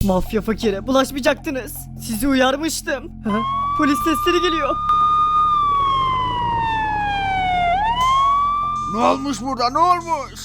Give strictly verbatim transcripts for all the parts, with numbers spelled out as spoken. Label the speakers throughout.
Speaker 1: Mafya fakire bulaşmayacaktınız. Sizi uyarmıştım. Ha? Polis sesleri geliyor.
Speaker 2: Ne olmuş burada, ne olmuş?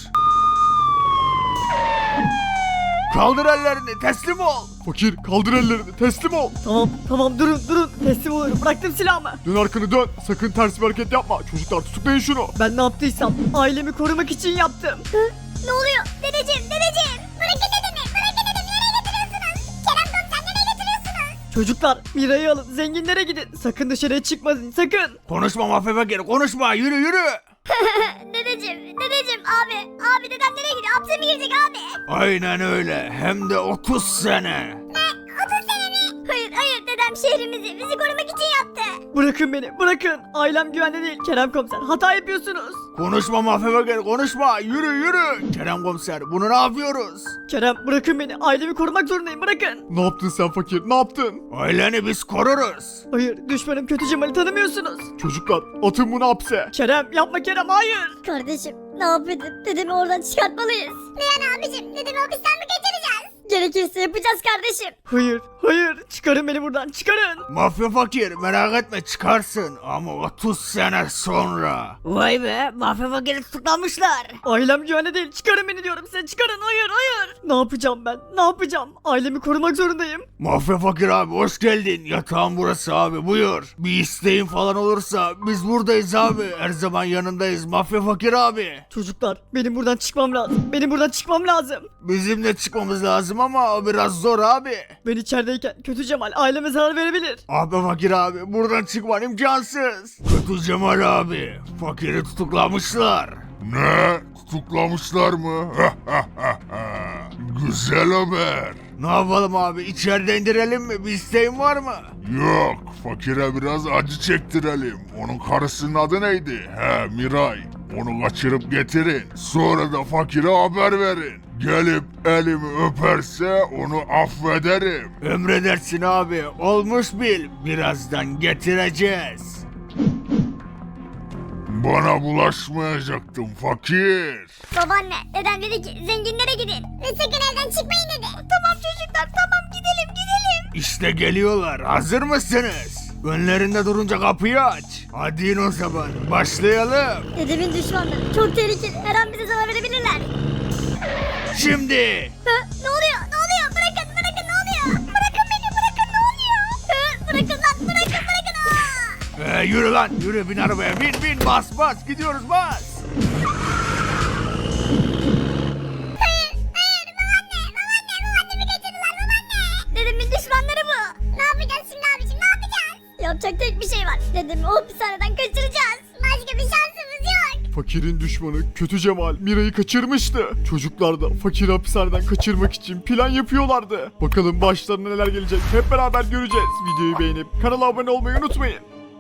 Speaker 2: Kaldır ellerini, teslim ol.
Speaker 3: Fakir kaldır ellerini teslim ol.
Speaker 1: Tamam tamam durun durun teslim oluyorum bıraktım silahımı.
Speaker 3: Dön arkanı dön. Sakın ters bir hareket yapma. Çocuklar tutuklayın şunu.
Speaker 1: Ben ne yaptıysam ailemi korumak için yaptım.
Speaker 4: Ne oluyor? Dedeciğim, dedeciğim. Bırakın dedemi, bırakın dedemi. Nereye götürüyorsunuz? Kerem komiser nereye götürüyorsunuz?
Speaker 1: Çocuklar Mira'yı alın zenginlere gidin. Sakın dışarıya çıkmayın sakın.
Speaker 2: Konuşma mafya fakiri, konuşma, yürü yürü.
Speaker 4: Dedeciğim, dedeciğim, abi. Abi dedem nereye gidiyor? Hapse mi girecek abi?
Speaker 2: Aynen öyle, hem de otuz sene.
Speaker 4: Ne? otuz sene mi? Hayır, hayır. Dedem şehrimizi, bizi korumak için yaptı.
Speaker 1: Bırakın beni bırakın. Ailem güvende değil Kerem komiser hata yapıyorsunuz.
Speaker 2: Konuşma mafya fakiri, konuşma, yürü yürü. Kerem komiser, bunu ne yapıyoruz?
Speaker 1: Kerem bırakın beni ailemi korumak zorundayım bırakın.
Speaker 3: Ne yaptın sen fakir ne yaptın?
Speaker 2: Aileni biz koruruz.
Speaker 1: Hayır düşmanım kötü Cemal'i tanımıyorsunuz.
Speaker 3: Çocuklar atın bunu hapse.
Speaker 1: Kerem yapma Kerem hayır.
Speaker 4: Kardeşim, ne yapıyordun? Dedemi oradan çıkartmalıyız. Reyhan abicim, dedemi hapisten mi kaçıracağız? Gerekirse yapacağız kardeşim.
Speaker 1: Hayır hayır çıkarın beni buradan çıkarın.
Speaker 2: Mafya fakir, merak etme çıkarsın ama otuz sene sonra.
Speaker 5: Vay be, mafya fakiri tutuklanmışlar.
Speaker 1: Ailem güvende değil çıkarın beni diyorum size çıkarın hayır hayır. Ne yapacağım ben ne yapacağım ailemi korumak zorundayım.
Speaker 2: Mafya fakir abi hoş geldin. Yatağın burası abi, buyur. Bir isteğin falan olursa biz buradayız abi. Her zaman yanındayız mafya fakir abi.
Speaker 1: Çocuklar benim buradan çıkmam lazım benim buradan çıkmam lazım.
Speaker 2: Bizim de çıkmamız lazım ama o biraz zor abi.
Speaker 1: Ben içerideyken kötü Cemal aileme zarar verebilir.
Speaker 2: Abi fakir abi buradan çıkman imkansız. Kötü Cemal abi, fakiri tutuklamışlar.
Speaker 6: Ne? Tutuklamışlar mı? Güzel haber.
Speaker 2: Ne yapalım abi, içeride indirelim mi? Bir isteğin var mı?
Speaker 6: Yok, fakire biraz acı çektirelim. Onun karısının adı neydi? He, Miray. Onu kaçırıp getirin. Sonra da fakire haber verin. Gelip elimi öperse onu affederim.
Speaker 2: Emredersin abi, olmuş bil. Birazdan getireceğiz.
Speaker 6: Bana bulaşmayacaktın fakir.
Speaker 4: Babaanne, dedem dedi ki zenginlere gidin. Ve sakın evden çıkmayın dedi. Tamam çocuklar, tamam gidelim gidelim.
Speaker 2: İşte geliyorlar, hazır mısınız? Önlerinde durunca kapıyı aç. Hadi in o zaman, başlayalım.
Speaker 4: Dedemin düşmanları çok tehlikeli. Her an bize zarar verebilirler.
Speaker 2: Şimdi.
Speaker 4: Hı, ne oluyor? Ne oluyor? Bırakın, bırakın ne oluyor? Bırakın beni, bırakın ne oluyor? Hı, bırakın lan, bırakın, bırakın. Aa!
Speaker 2: Ee, yürü lan, yürü, bin arabaya, bin bin, bas bas, gidiyoruz, bas.
Speaker 4: Hayır, hayır, babaanne, babaanne, babaannemi kaçırdılar babaanne. Dedemin düşmanları bu. Ne yapacağız şimdi abicim, ne yapacağız? Yapacak tek bir şey var. Dedemi o hapishaneden kaçıracağız. Başka bir şansımız yok.
Speaker 3: Fakirin düşmanı kötü Cemal Mira'yı kaçırmıştı. Çocuklar da fakiri hapishaneden kaçırmak için plan yapıyorlardı. Bakalım başlarına neler gelecek hep beraber göreceğiz. Videoyu beğenip kanala abone olmayı unutmayın.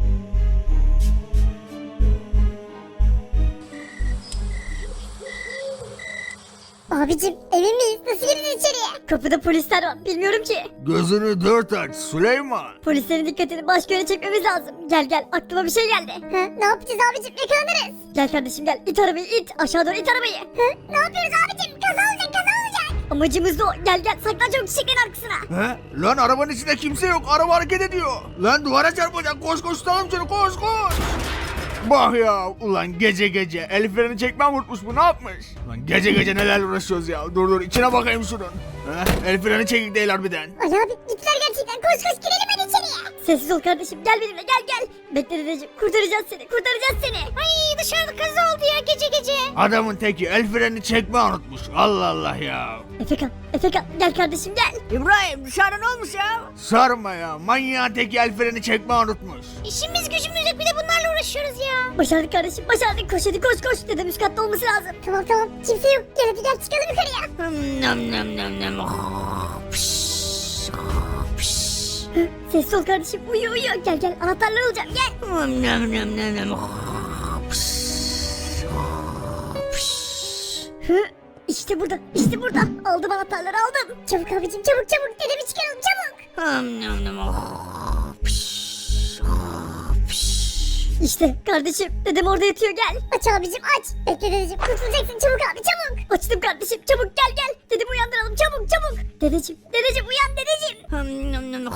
Speaker 4: Abicim emin miyiz? Nasıl gireceğiz içeriye? Kapıda polisler var. Bilmiyorum ki.
Speaker 2: Gözünü dört aç Süleyman.
Speaker 4: Polislerin dikkatini başka yöne çekmemiz lazım. Gel gel aklıma bir şey geldi. Hı, ne yapacağız abicim? Yakalanırız. Gel kardeşim gel. İt arabayı it. Aşağı doğru it arabayı. Hı, ne yapıyoruz abicim? Kaza olacak kaza olacak. Amacımız da o. Gel gel saklan çabuk çiçeklerin arkasına.
Speaker 2: He? Lan arabanın içinde kimse yok, araba hareket ediyor. Lan duvara çarpacak, koş koş tutalım seni, koş koş. Bak ya, ulan gece gece el freni çekmem unutmuş bu, ne yapmış? Lan gece gece neler uğraşıyoruz ya, dur dur içine bakayım şunun. He? El freni çekik değil harbiden.
Speaker 4: Ali abi gittiler gerçekten. Koş koş girelim hadi içeriye. Sessiz ol kardeşim gel benimle gel gel. Bekle dedeciğim kurtaracağız seni kurtaracağız seni. Ay dışarıda kaza oldu ya gece gece.
Speaker 2: Adamın teki el freni çekme unutmuş, Allah Allah ya.
Speaker 4: Efekan Efekan gel kardeşim gel.
Speaker 5: İbrahim dışarıda ne olmuş ya?
Speaker 2: Sarma ya, manyağın teki el freni çekme unutmuş.
Speaker 4: İşimiz gücümüz yok bir de bunlarla uğraşıyoruz ya. Başardık kardeşim başardık koş hadi koş koş. Dedem üst katta olması lazım. Tamam tamam kimse yok gel hadi gel çıkalım yukarıya.
Speaker 5: Hmm, nam nam nam nam. Oh, pış, oh, pış.
Speaker 4: Hı, sessiz ol kardeşim uyu uyu gel gel anahtarları alacağım gel.
Speaker 5: Hmm, nam nam nam nam. Oh, pış, oh, pış.
Speaker 4: Hı, işte burada işte burada aldım anahtarları aldım. Çabuk abicim çabuk çabuk dedemi çıkaralım çabuk.
Speaker 5: Hmm, nam nam. Oh, pış, oh, pış.
Speaker 4: İşte kardeşim dedem orada yatıyor gel. Aç abicim aç. Bekle dedeciğim kurtulacaksın çabuk abi çabuk. Açtım kardeşim çabuk gel gel. Dedemi uyandıralım çabuk çabuk. Dedeciğim dedeciğim uyan dedeciğim.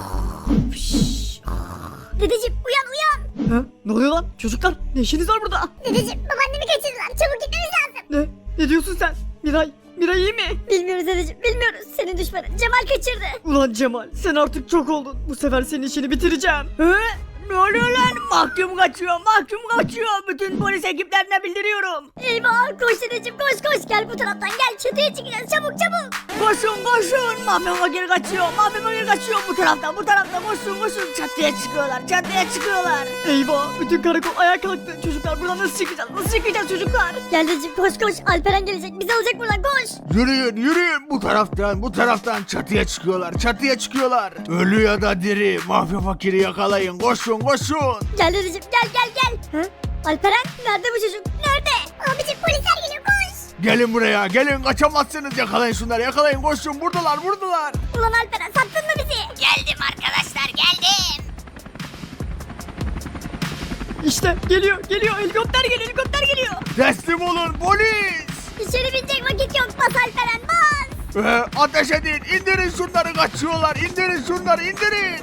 Speaker 4: Dedeciğim uyan uyan.
Speaker 1: Ha? Ne oluyor lan? Çocuklar ne işiniz var burada?
Speaker 4: Dedeciğim babaannemi kaçırdılar çabuk gitmemiz lazım.
Speaker 1: Ne? Ne diyorsun sen? Miray, Miray iyi mi?
Speaker 4: Bilmiyoruz dedeciğim bilmiyoruz. Senin düşmanın Cemal kaçırdı.
Speaker 1: Ulan Cemal sen artık çok oldun. Bu sefer senin işini bitireceğim. He? Ne oluyor lan? Mahkum kaçıyor, mahkum kaçıyor. Bütün polis ekiplerine bildiriyorum.
Speaker 4: Eyvah koş dedeciğim koş koş. Gel bu taraftan gel çatıya çıkacağız çabuk çabuk.
Speaker 1: Koşun koşun. Mafya fakir kaçıyor, mafya fakir kaçıyor. Bu taraftan, bu taraftan koşun koşun. Çatıya çıkıyorlar, çatıya çıkıyorlar. Eyvah, bütün karakol ayağa kalktı. Çocuklar buradan nasıl çıkacağız? Nasıl çıkacağız çocuklar?
Speaker 4: Gel dedeciğim koş koş. Alperen gelecek bizi alacak buradan koş.
Speaker 2: Yürüyün yürüyün bu taraftan bu taraftan çatıya çıkıyorlar çatıya çıkıyorlar. Ölü ya da diri mafya fakiri yakalayın koşun koşun.
Speaker 4: Gel dedeciğim gel gel gel. Ha? Alperen nerede bu çocuk? Nerede? Abicim polisler geliyor koş.
Speaker 2: Gelin buraya gelin kaçamazsınız yakalayın şunları yakalayın koşun buradalar buradalar.
Speaker 4: Ulan Alperen sattın mı bizi?
Speaker 5: Geldim arkadaşlar geldim.
Speaker 1: İşte geliyor, geliyor. Helikopter geliyor, helikopter geliyor.
Speaker 2: Teslim olun polis.
Speaker 4: İçeri binecek vakit yok bas Alperen bas.
Speaker 2: Ee, ateş edin indirin şunları kaçıyorlar indirin şunları indirin.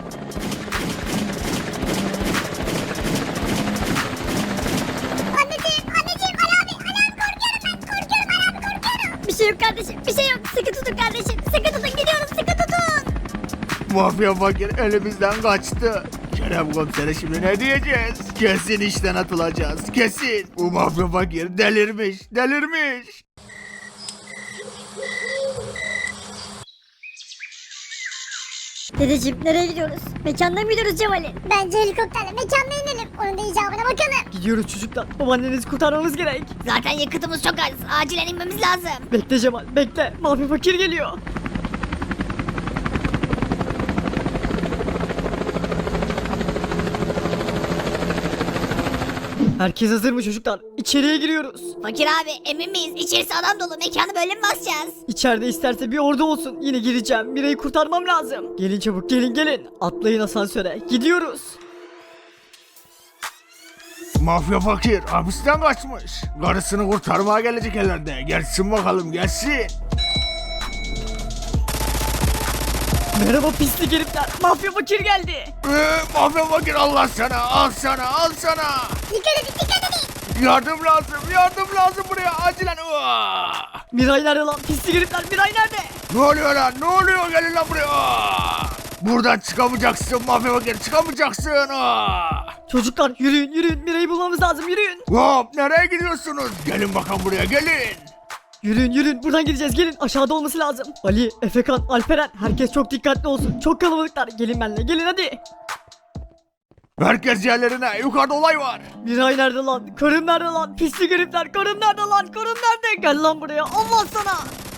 Speaker 4: Anneciğim anneciğim Ali abi Ali abi korkuyorum ben korkuyorum Ali abi korkuyorum. Bir şey yok kardeşim bir şey yok sıkı tutun kardeşim sıkı tutun gidiyorum sıkı tutun.
Speaker 2: Mafya fakir elimizden kaçtı. Kerem komisere şimdi ne diyeceğiz? Kesin işten atılacağız kesin. Bu mafya fakir delirmiş delirmiş.
Speaker 4: Dedeciğim nereye gidiyoruz? Mekanda mı gidiyoruz Cemal'in? Bence helikopterle mekanda inelim. Onun da icabına bakalım.
Speaker 1: Gidiyoruz çocuklar. Babaannenizi kurtarmamız gerek.
Speaker 5: Zaten yakıtımız çok az. Acilen inmemiz lazım.
Speaker 1: Bekle Cemal, bekle. Mafya fakir geliyor. Herkes hazır mı çocuklar? İçeriye giriyoruz.
Speaker 5: Fakir abi emin miyiz? İçerisi adam dolu. Mekanı böyle mi basacağız?
Speaker 1: İçeride isterse bir ordu olsun. Yine gireceğim. Mira'yı kurtarmam lazım. Gelin çabuk, gelin gelin. Atlayın asansöre. Gidiyoruz.
Speaker 2: Mafya fakir hapisten kaçmış. Karısını kurtarmaya gelecek herhalde. Gelsin bakalım gelsin.
Speaker 1: Merhaba pislik herifler. Mafya fakir geldi.
Speaker 2: Ee, mafya fakir Allah sana al sana al sana.
Speaker 4: Dikkat edin dikkat edin.
Speaker 2: Yardım lazım yardım lazım buraya acilen. Uaa!
Speaker 1: Miray nerede lan? Pislik herifler. Miray nerede?
Speaker 2: Ne oluyor lan ne oluyor gelin lan buraya. Uaa! Buradan çıkamayacaksın mafya fakir çıkamayacaksın. Uaa!
Speaker 1: Çocuklar yürüyün yürüyün. Miray'ı bulmamız lazım yürüyün.
Speaker 2: Hop nereye gidiyorsunuz? Gelin bakalım buraya gelin.
Speaker 1: Yürüyün yürüyün. Buradan gideceğiz. Gelin. Aşağıda olması lazım. Ali, Efekan, Alperen. Herkes çok dikkatli olsun. Çok kalabalıklar. Gelin benimle. Gelin hadi.
Speaker 2: Herkes yerlerine yukarıda olay var.
Speaker 1: Miray nerede lan? Karım nerede lan? Pislik herifler. Karım nerede lan? Karım nerede? Gel lan buraya. Allah sana.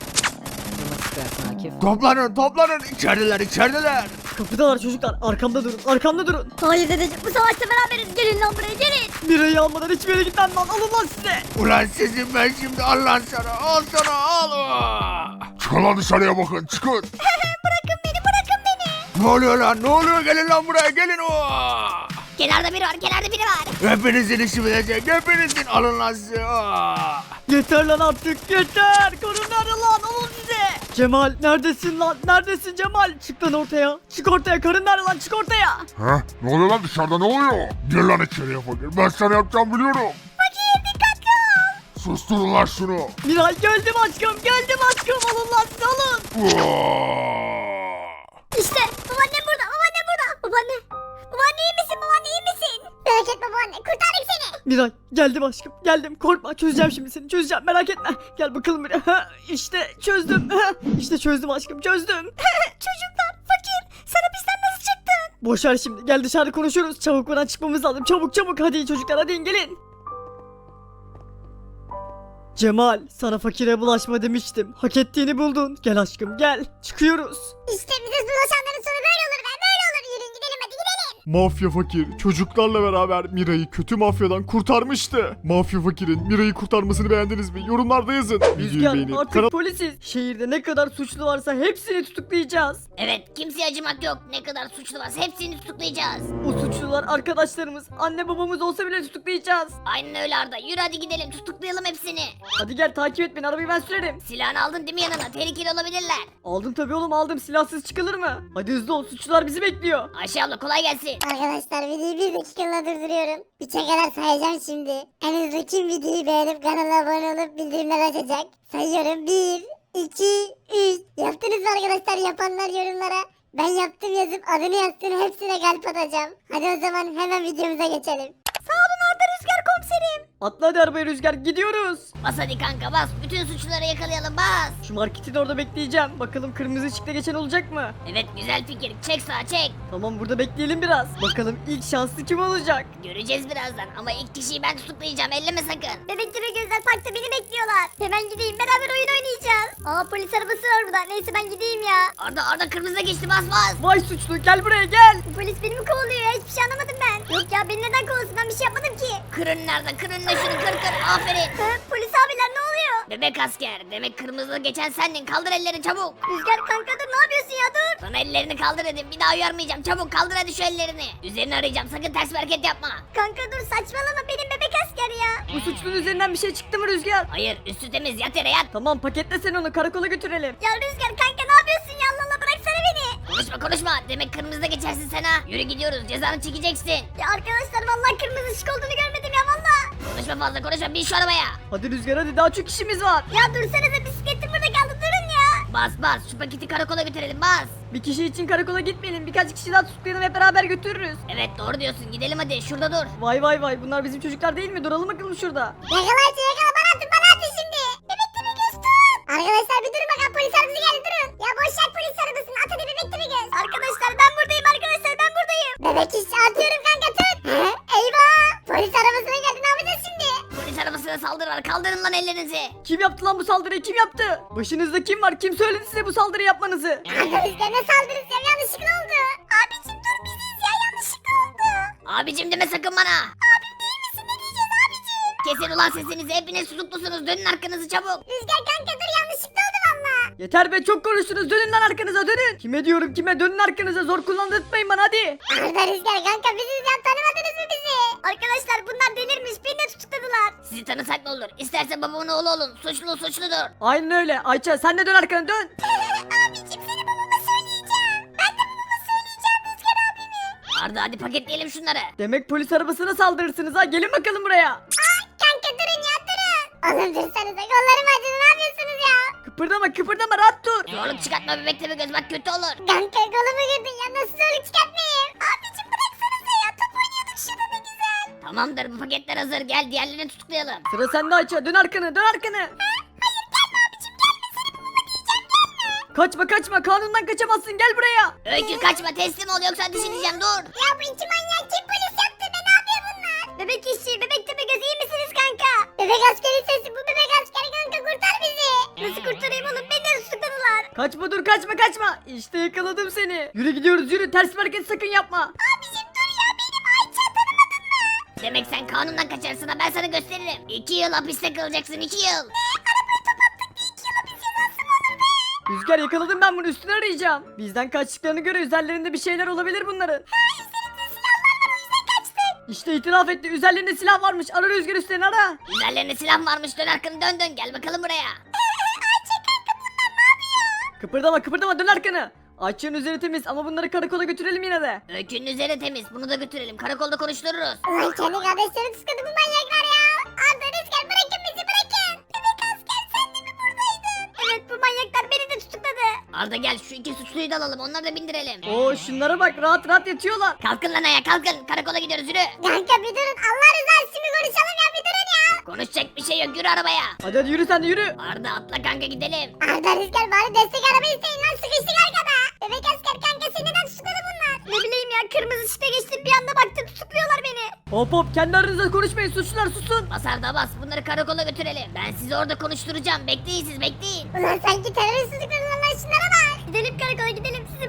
Speaker 2: Toplanın toplanın içerideler içerideler.
Speaker 1: Kapıdalar çocuklar. Arkamda durun. Arkamda durun.
Speaker 4: Hayır dedeciğim bu savaşta beraberiz. Gelin lan buraya gelin.
Speaker 1: Miray'ı almadan hiçbir yere gitmem lan. Alın lan size.
Speaker 2: Ulan sizin ben şimdi al lan sana al sana al. Uaa!
Speaker 6: Çıkın lan dışarıya bakın çıkın.
Speaker 4: Bırakın beni bırakın beni.
Speaker 2: Ne oluyor lan ne oluyor gelin lan buraya gelin. Uaa!
Speaker 5: Kenarda biri var. Kenarda biri var.
Speaker 2: Hepinizin işi bitecek hepinizin alın lan size. Uaa!
Speaker 1: Yeter lan artık. Yeter. Karım nerede lan? Alın size. Cemal neredesin lan? Neredesin Cemal? Çık lan ortaya. Çık ortaya. Karın nerede lan? Çık ortaya.
Speaker 6: He? Ne oluyor lan dışarıda ne oluyor? Gel lan içeriye fakir. Ben sana yapacağım biliyorum.
Speaker 4: Fakir dikkatli ol.
Speaker 6: Susturun lan şunu.
Speaker 1: Miray geldim aşkım. Geldim aşkım. Alın lan size alın.
Speaker 6: Uaa!
Speaker 4: İşte babaannem burada babaannem burada. Babaanne. Babaanne iyi misin babaanne iyi misin? Merak etme babaanne kurtardık seni.
Speaker 1: Miray geldim aşkım. Geldim. Korkma. Çözeceğim şimdi seni. Çözeceğim. Merak etme. Gel bakalım buraya. Ha, İşte çözdüm. Ha, İşte çözdüm aşkım. Çözdüm.
Speaker 4: Çocuklar fakir sen hapisten nasıl çıktın?
Speaker 1: Boş ver şimdi. Gel dışarı konuşuruz. Çabuk buradan çıkmamız lazım. Çabuk çabuk. Hadi çocuklar hadi in, gelin. Cemal sana fakire bulaşma demiştim. Hak ettiğini buldun. Gel aşkım gel. Çıkıyoruz.
Speaker 4: İşte bize bulaşanların sonu böyle olur be böyle olur. Yürüyün gidelim hadi gidelim.
Speaker 3: Mafya Fakir çocuklarla beraber Mira'yı kötü mafyadan kurtarmıştı. Mafya Fakir'in Mira'yı kurtarmasını beğendiniz mi? Yorumlarda yazın. Videoyu
Speaker 1: Rüzgar
Speaker 3: beğenip
Speaker 1: artık
Speaker 3: kanal-
Speaker 1: polisiz. Şehirde ne kadar suçlu varsa hepsini tutuklayacağız.
Speaker 5: Evet, kimseye acımak yok. Ne kadar suçlu varsa hepsini tutuklayacağız.
Speaker 1: O suçlular arkadaşlarımız, anne babamız olsa bile tutuklayacağız.
Speaker 5: Aynen öyle Arda. Yürü hadi gidelim, tutuklayalım hepsini.
Speaker 1: Hadi gel takip et beni, arabayı ben sürerim.
Speaker 5: Silahını aldın değil mi yanına? Tehlikeli olabilirler.
Speaker 1: Aldım tabii oğlum, aldım. Silahsız çıkılır mı? Hadi hızlı ol, suçlular bizi bekliyor.
Speaker 5: Ayşe abla kolay gelsin.
Speaker 4: Arkadaşlar videoyu bir dakikalığına durduruyorum. Üçe kadar sayacağım şimdi. En hızlı kim videoyu beğenip kanala abone olup bildirimler açacak? Sayıyorum. Bir, iki, üç. Yaptınız mı arkadaşlar? Yapanlar yorumlara ben yaptım yazıp adını yazsın, hepsine kalp atacağım. Hadi o zaman hemen videomuza geçelim. Sağ olun Arda Rüzgar komiserim.
Speaker 1: Atla hadi arabaya Rüzgar, gidiyoruz.
Speaker 5: Bas hadi kanka bas. Bütün suçluları yakalayalım bas.
Speaker 1: Şu marketin orada bekleyeceğim. Bakalım kırmızı ışıkta geçen olacak mı?
Speaker 5: Evet güzel fikir. Çek sağa çek.
Speaker 1: Tamam, burada bekleyelim biraz. Bakalım ilk şanslı kim olacak?
Speaker 5: Göreceğiz birazdan ama ilk kişiyi ben tutuklayacağım. Elleme sakın.
Speaker 4: Bebek gibi gözler parkta beni bekliyorlar. Hemen gideyim, beraber oyun oynayacağız. Aa, polis arabası var burada. Neyse ben gideyim ya.
Speaker 5: Arda Arda kırmızıda geçti bas bas.
Speaker 1: Vay suçlu, gel buraya gel.
Speaker 4: Bu polis beni mi kovalıyor ya? Hiçbir şey anlamadım ben. Yok ya, beni neden kovalasın, ben bir şey yapmadım ki.
Speaker 5: Kırın nerede? Kırın da şunu kır kır. Aferin.
Speaker 4: Hı, polis abiler ne oluyor?
Speaker 5: Bebek asker. Demek kırmızıda geçen sendin. Kaldır ellerini çabuk.
Speaker 4: Rüzgar kanka dur, ne yapıyorsun ya, dur.
Speaker 5: Sana ellerini kaldır dedim. Bir daha uyarmayacağım. Çabuk kaldır hadi şu ellerini. Üzerini arayacağım. Sakın ters bir hareket yapma.
Speaker 4: Kanka dur, saçmalama, benim bebek asker ya.
Speaker 1: Bu suçlunun üzerinden bir şey çıktı mı Rüzgar?
Speaker 5: Hayır üstü temiz. Yat yere yat.
Speaker 1: Tamam, paketle sen onu, karakola götürelim.
Speaker 4: Ya Rüzgar kanka ne yapıyorsun ya, Allah Allah, bıraksana beni.
Speaker 5: Konuşma konuşma. Demek kırmızıda geçersin sen ha. Yürü gidiyoruz. Cezanı çekeceksin.
Speaker 4: Ya arkadaşlar vallahi kırmızı ışık olduğunu görmedim ya, vallahi.
Speaker 5: Konuşma fazla konuşma. Bin şu arabaya.
Speaker 1: Hadi Rüzgar hadi, daha çok işimiz var.
Speaker 4: Ya dursanıza, bisikletim burada kaldı, durun ya.
Speaker 5: Bas bas. Şu paketi karakola götürelim. Bas.
Speaker 1: Bir kişi için karakola gitmeyelim, birkaç kişi daha tutuklayalım, hep beraber götürürüz.
Speaker 5: Evet doğru diyorsun. Gidelim hadi. Şurada dur.
Speaker 1: Vay vay vay, bunlar bizim çocuklar değil mi? Duralım bakalım şurada.
Speaker 4: Yakalayın, yakala, bana atın, bana atın şimdi. Bebek gibi göz tut. Arkadaşlar bir durun bakalım, polis arabası geldi, durun. Ya boş ver polis arabasını, at hadi bebek gibi göz. Arkadaşlar ben buradayım, arkadaşlar ben buradayım. Bebek iş atıyorum kanka, tut. He, eyvah. Polis arabasına geldi, ne yapacağız şimdi?
Speaker 5: Polis arabasına saldırı var. Kaldırın lan ellerinizi.
Speaker 1: Kim yaptı lan bu saldırıyı, kim yaptı? Başınızda kim var, kim söyledi size bu saldırı yapmanızı?
Speaker 4: Arkadaşlar ne saldırısı ya, yanlışlıkla oldu. Abicim dur, biziz ya, yanlışlıkla oldu.
Speaker 5: Abicim deme sakın bana.
Speaker 4: Abim değil misin, ne diyeceğiz abicim?
Speaker 5: Kesin ulan sesinizi. Hepiniz tutuklusunuz. Dönün arkanızı çabuk.
Speaker 4: Rüzgar kanka dur, yanlışlıkla oldu valla.
Speaker 1: Yeter be, çok konuştunuz, dönün lan arkanıza, dönün. Kime diyorum, kime? Dönün arkanıza, zor kullandırtmayın bana hadi.
Speaker 4: Arda Rüzgar kanka, biziz ya, tanımadınız mı bizi? Arkadaşlar bunlar delirmiş, beni de tutukladılar.
Speaker 5: Sizi tanısak ne olur? İsterse babamın oğlu olun. Suçlu suçludur.
Speaker 1: Aynen öyle. Ayça sen de dön arkana, dön.
Speaker 4: Abicim seni babama söyleyeceğim. Ben de babama söyleyeceğim Rüzgar abimi.
Speaker 5: Arda hadi paketleyelim şunları.
Speaker 1: Demek polis arabasına saldırırsınız ha, gelin bakalım buraya.
Speaker 4: Aa, kanka durun ya, durun. Oğlum dursanıza, kollarım acıdı, ne yapıyorsunuz ya?
Speaker 1: Kıpırdama kıpırdama, rahat dur.
Speaker 5: Zorluk çıkartma bebek tabi göz bak kötü olur.
Speaker 4: Kanka kolumu kırdın ya, nasıl zorluk çıkartmayayım? Abicim bıraksanıza ya, top oynuyorduk şurada, ne güzel.
Speaker 5: Tamamdır bu paketler hazır. Gel diğerlerini tutuklayalım.
Speaker 1: Sıra sende Ayça, dön arkanı, dön arkanı.
Speaker 4: Hayır gelme abicim, gelme, seni babama diyeceğim, gelme.
Speaker 1: Kaçma kaçma, kanundan kaçamazsın, gel buraya.
Speaker 5: Öykü kaçma teslim ol yoksa ateş edeceğim dur.
Speaker 4: Ya bu iki manyak kim, polis yaptı be, ne yapıyor bunlar? Bebek işçi, bebek tepe göz, iyi misiniz kanka? Bebek askeri sesi, bu bebek askeri kanka, kurtar bizi. Nasıl kurtarayım oğlum, beni de tutukladılar.
Speaker 1: Kaçma, dur kaçma kaçma. İşte yakaladım seni. Yürü gidiyoruz, yürü, ters bir hareket sakın yapma.
Speaker 4: Abicim dur ya, benim Ayça, tanımadın mı?
Speaker 5: Demek sen kanundan kaçarsın ha ben sana gösteririm. İki yıl hapiste kalacaksın iki yıl.
Speaker 4: Arabayı topattık, bir iki yıl hapis cezası mı olur be?
Speaker 1: Rüzgar, yakaladım ben bunu, üstüne arayacağım. Bizden kaçtıklarını göre üzerlerinde bir şeyler olabilir bunların.
Speaker 4: Üzerimde silahlar var, o yüzden kaçtık.
Speaker 1: İşte itiraf etti, üzerlerinde silah varmış. Ara Rüzgar, üstlerini ara.
Speaker 5: Üzerlerinde silah varmış dön arkanı dön dön gel bakalım buraya.
Speaker 4: Ayça kanka, bunlar ne yapıyor?
Speaker 1: Kıpırdama kıpırdama, dön arkanı. Ayça'nın üzeri temiz ama bunları karakola götürelim yine de.
Speaker 5: Öykünün üzeri temiz bunu da götürelim karakolda konuştururuz.
Speaker 4: Ulan kendi kardeşleri tutukladı bu manyaklar ya. Arda Rüzgar, bırakın bizi, bırakın. Bebek asker, sen de mi buradaydın? Evet, bu manyaklar beni de tutukladı.
Speaker 5: Arda gel şu iki suçluyu da alalım onları da bindirelim.
Speaker 1: Oo, şunlara bak, rahat rahat yatıyorlar.
Speaker 5: Kalkın lan ayağa kalkın karakola gidiyoruz yürü.
Speaker 4: Kanka bir durun, Allah rızası için bir konuşalım ya, bir durun ya.
Speaker 5: Konuşacak bir şey yok yürü arabaya.
Speaker 1: Hadi hadi yürü, sen de yürü.
Speaker 5: Arda atla kanka gidelim.
Speaker 4: Arda Rüzgar, bari destek araba isteyin lan, sıkıştık arkada. Bebek asker kanka, seni neden tutukladı bunlar? Ne bileyim ya, kırmızı ışıkta geçtim, bir anda baktım tutukluyorlar beni.
Speaker 1: Hop hop, kendi aranızda konuşmayın, suçlular susun.
Speaker 5: Bas Arda bas bunları karakola götürelim. Ben sizi orada konuşturacağım bekleyin siz bekleyin.
Speaker 4: Ulan sanki terörist tutukladılar lan, şunlara bak. Gidelim karakola, gidelim, sizi babama söyleyeceğim.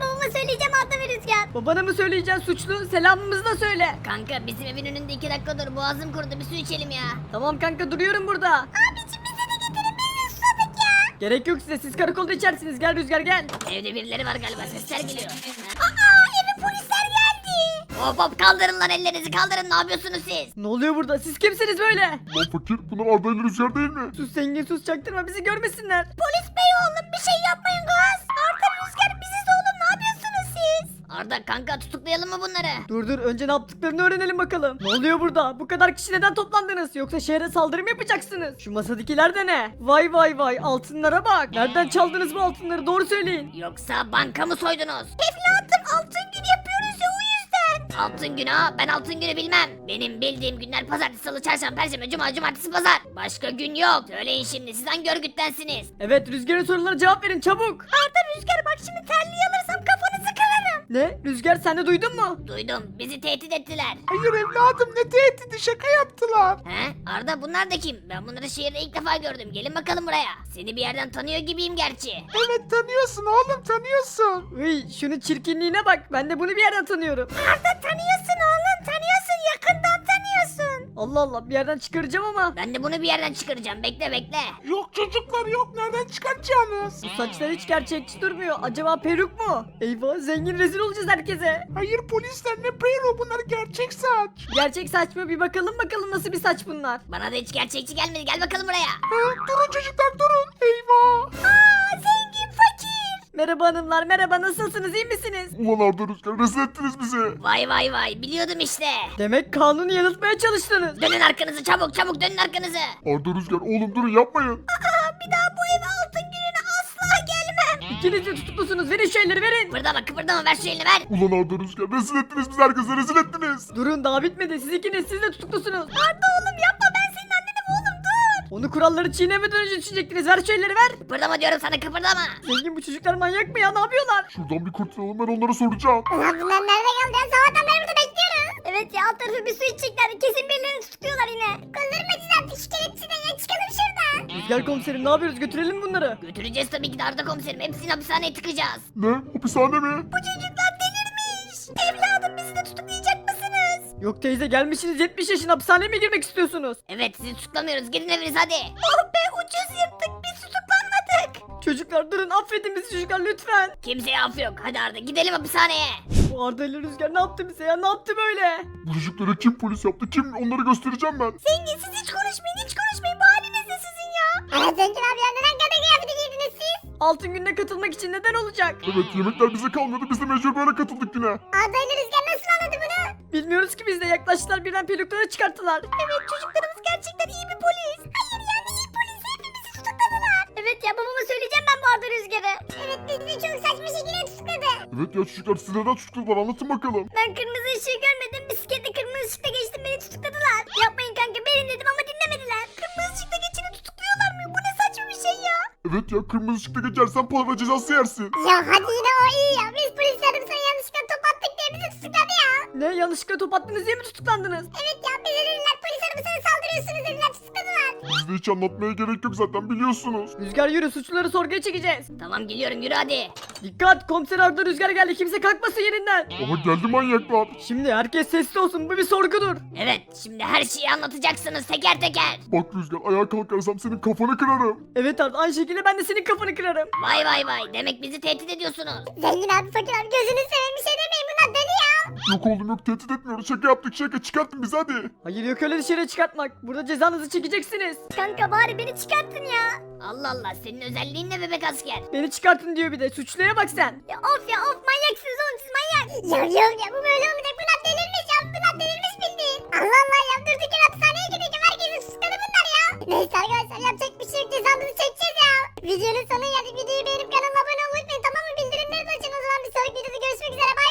Speaker 4: söyleyeceğim Arda ve Rüzgar.
Speaker 1: Babana mı söyleyeceksin suçlu? Selamımızı da söyle.
Speaker 4: Kanka bizim evin önünde iki dakika dur. Boğazım kurudu, bir su içelim ya.
Speaker 1: Tamam kanka duruyorum burada.
Speaker 4: Abicim bize de getirin, biz de susadık ya.
Speaker 1: Gerek yok size, siz karakolda içersiniz. Gel Rüzgar gel.
Speaker 4: Evde birileri var galiba, sesler geliyor. Aa, eve polisler geldi. Hop hop, kaldırın lan ellerinizi, kaldırın. Ne yapıyorsunuz siz?
Speaker 1: Ne oluyor burada? Siz kimsiniz böyle?
Speaker 3: Lan fakir bunlar Arda ile Rüzgar değil mi?
Speaker 1: Sus zengin sus, çaktırma bizi görmesinler.
Speaker 4: Polis bey oğlum, bir şey yapmayın gaz. Arda Rüzgar biziz oğlum, ne yapıyorsunuz siz? Arda kanka, tutuklayalım mı bunları?
Speaker 1: Dur dur, önce ne yaptıklarını öğrenelim bakalım. Ne oluyor burada? Bu kadar kişi neden toplandınız? Yoksa şehre saldırı mı yapacaksınız? Şu masadakiler de ne? Vay vay vay, altınlara bak. Nereden çaldınız bu altınları? Doğru söyleyin.
Speaker 4: Yoksa banka mı soydunuz? Evladım, altın gün yapıyoruz ya, o yüzden. Altın günü ha? Ben altın günü bilmem. Benim bildiğim günler pazartesi, salı, çarşamba, perşembe, cuma, cumartesi, pazar. Başka gün yok. Söyleyin şimdi, siz hangi örgüttensiniz?
Speaker 1: Evet, Rüzgar'ın sorularına cevap verin çabuk.
Speaker 4: Arda Rüzgar, bak şimdi terliği alırsam kafanızı kırarım.
Speaker 1: Ne? Rüzgar sen de duydun mu?
Speaker 4: Duydum, bizi tehdit ettiler.
Speaker 2: Hayır evladım ne tehdidi, şaka yaptılar.
Speaker 4: He? Arda, bunlar da kim? Ben bunları şehirde ilk defa gördüm. Gelin bakalım buraya. Seni bir yerden tanıyor gibiyim gerçi.
Speaker 2: Evet tanıyorsun oğlum tanıyorsun.
Speaker 1: Uy, şunun çirkinliğine bak. Ben de bunu bir yerden tanıyorum.
Speaker 4: Arda, tanıyorsun oğlum, tanıyorsun, yakından tanıyorsun.
Speaker 1: Allah Allah, bir yerden çıkaracağım ama.
Speaker 4: Ben de bunu bir yerden çıkaracağım. Bekle bekle.
Speaker 2: Yok çocuklar yok, nereden çıkartacaksınız?
Speaker 1: Bu saçlar hiç gerçekçi durmuyor. Acaba peruk mu? Eyvah, zengin rezil olacağız herkese.
Speaker 2: Hayır polisler, ne peyro, bunlar gerçek saç.
Speaker 1: Gerçek saç mı? Bir bakalım bakalım nasıl bir saç bunlar.
Speaker 4: Bana da hiç gerçekçi gelmedi. Gel bakalım buraya.
Speaker 2: Ha, durun çocuklar durun. Eyvah.
Speaker 4: Aa, zengin fakir.
Speaker 1: Merhaba hanımlar, merhaba, nasılsınız, iyi misiniz?
Speaker 3: Ulan Arda Rüzgar rezil ettiniz bizi.
Speaker 4: Vay vay vay, biliyordum işte.
Speaker 1: Demek kanunu yanıltmaya çalıştınız.
Speaker 4: Dönün arkanızı, çabuk çabuk dönün arkanızı.
Speaker 3: Arda Rüzgar oğlum durun yapmayın.
Speaker 4: Aa, bir daha bu eve altın gününe asla gelmem.
Speaker 1: İkiniz de tutuklusunuz, verin şu elleri verin.
Speaker 4: Kıpırdama kıpırdama, ver şu elini ver.
Speaker 3: Ulan Arda Rüzgar rezil ettiniz bizi, herkese rezil ettiniz.
Speaker 1: Durun, daha bitmedi, siz ikiniz, siz de tutuklusunuz.
Speaker 4: Arda oğlum yapma, ben senin annenim oğlum, dur.
Speaker 1: Onu kuralları çiğnemeden önce düşecektiniz, ver şu elleri ver.
Speaker 4: Kıpırdama diyorum sana, kıpırdama.
Speaker 1: Zengin, bu çocuklar manyak mı ya, ne yapıyorlar?
Speaker 3: Şuradan bir kurtulalım, ben onlara soracağım.
Speaker 4: Ulan bunlar nerede kaldı ya? Sabahtan beri burada bekliyoruz. Evet ya, alt tarafı bir su içecekler. Kesin birilerini tutukluyorlar yine. Kollarım acıdı artık, şu kelepçeden ya, çıkalım şuradan.
Speaker 1: Rüzgar komiserim, ne yapıyoruz, götürelim mi bunları?
Speaker 4: Götüreceğiz tabii ki de Arda komiserim. Hepsini hapishaneye tıkacağız.
Speaker 3: Ne? Hapishane mi?
Speaker 4: Bu çocuklar delirmiş. Evladım, bizi de tutuklayacak mısınız?
Speaker 1: Yok teyze, gelmişsiniz yetmiş yaşına, hapishaneye mi girmek istiyorsunuz?
Speaker 4: Evet, sizi tutuklamıyoruz. Gidin eviniz hadi. Oh be, ucuz yırttık. Biz tutuklanmadık.
Speaker 1: Çocuklar durun, affedin bizi çocuklar lütfen.
Speaker 4: Kimseye af yok. Hadi Arda, gidelim hapishaneye.
Speaker 1: Bu Arda ile Rüzgar ne yaptı bize ya, ne yaptı böyle?
Speaker 3: Bu çocuklara kim polis yaptı, kim, onları göstereceğim ben.
Speaker 4: Zengin, siz hiç konuşmayın, hiç konuşmayın. Bu haliniz ne sizin ya? Evet Zengin abi ya, neden kadın kıyafeti giydiniz siz?
Speaker 1: Altın gününe katılmak için neden olacak?
Speaker 3: Evet yemekler bize kalmadı, biz de mecbur böyle katıldık yine.
Speaker 4: Arda ile Rüzgar nasıl anladı bunu?
Speaker 1: Bilmiyoruz ki biz de, yaklaştılar birden pelukları çıkarttılar.
Speaker 4: Evet, çocuklarımız gerçekten iyi bir polis. Hayır yani iyi polis, hepimizi tutukladılar. Evet ya, babama söyleyeceğim ben bu Arda Rüzgar'ı. Evet, bizi de çok saçma şekilde tutukladı.
Speaker 3: Evet ya çocuklar siz neden tutukladılar, anlatın bakalım.
Speaker 4: Ben kırmızı ışığı görmedim, bisikletle kırmızı ışıkta geçtim, beni tutukladılar. Yapmayın kanka, verin dedim ama dinlemediler. Kırmızı ışıkta geçeni tutukluyorlar mı? Bu ne saçma bir şey ya.
Speaker 3: Evet ya kırmızı ışıkta geçersen para cezası yersin.
Speaker 4: Ya hadi yine o iyi ya, biz polislerim sana yanlışlıkla top attık diye bizi tutukladı ya.
Speaker 1: Ne, yanlışlıkla top attınız diye mi tutuklandınız?
Speaker 4: Evet ya, bize dediler polis arabasına saldırıyorsunuz dediler, tutukladılar.
Speaker 3: Bizde hiç anlatmaya gerek yok zaten biliyorsunuz.
Speaker 1: Rüzgar yürü, suçluları sorguya çekeceğiz.
Speaker 4: Tamam geliyorum, yürü hadi.
Speaker 1: Dikkat, komiser Arda Rüzgar geldi, kimse kalkmasın yerinden.
Speaker 3: Ama geldi manyaklar.
Speaker 1: Şimdi herkes sessiz olsun, bu bir sorgudur.
Speaker 4: Evet, şimdi her şeyi anlatacaksınız teker teker.
Speaker 3: Bak Rüzgar ayağa kalkarsam senin kafanı kırarım.
Speaker 1: Evet Arda, aynı şekilde ben de senin kafanı kırarım.
Speaker 4: Vay vay vay, demek bizi tehdit ediyorsunuz.
Speaker 7: Zengin abi, fakir abi, gözünü seveyim, bir şey demeyin, bunlar deli ya.
Speaker 3: Yok oğlum yok tehdit etmiyoruz, şaka yaptık şaka, çıkartın bizi hadi.
Speaker 1: Hayır, yok öyle dışarı çıkartmak. Burada cezanızı çekeceksiniz.
Speaker 7: Kanka bari beni çıkartın ya.
Speaker 4: Allah Allah, senin özelliğin ne bebek asker?
Speaker 1: Beni çıkartın diyor bir de. Suçluya bak sen.
Speaker 7: Ya of ya of, manyaksınız oğlum siz, manyak. Ya yok ya, bu böyle olmayacak, bunlar delirmiş ya, bunlar delirmiş bildiğin. Allah Allah ya, durduk yere hapishaneye gidelim, herkesi suçladı bunlar ya. Neyse arkadaşlar, yapacak bir şey yok, cezamızı çekeceğiz ya. Videonun sonuna geldik, videoyu beğenip kanalıma abone olmayı unutmayın, tamam mı? Bildirimleri de açın, o zaman bir sonraki videoda görüşmek üzere, bye.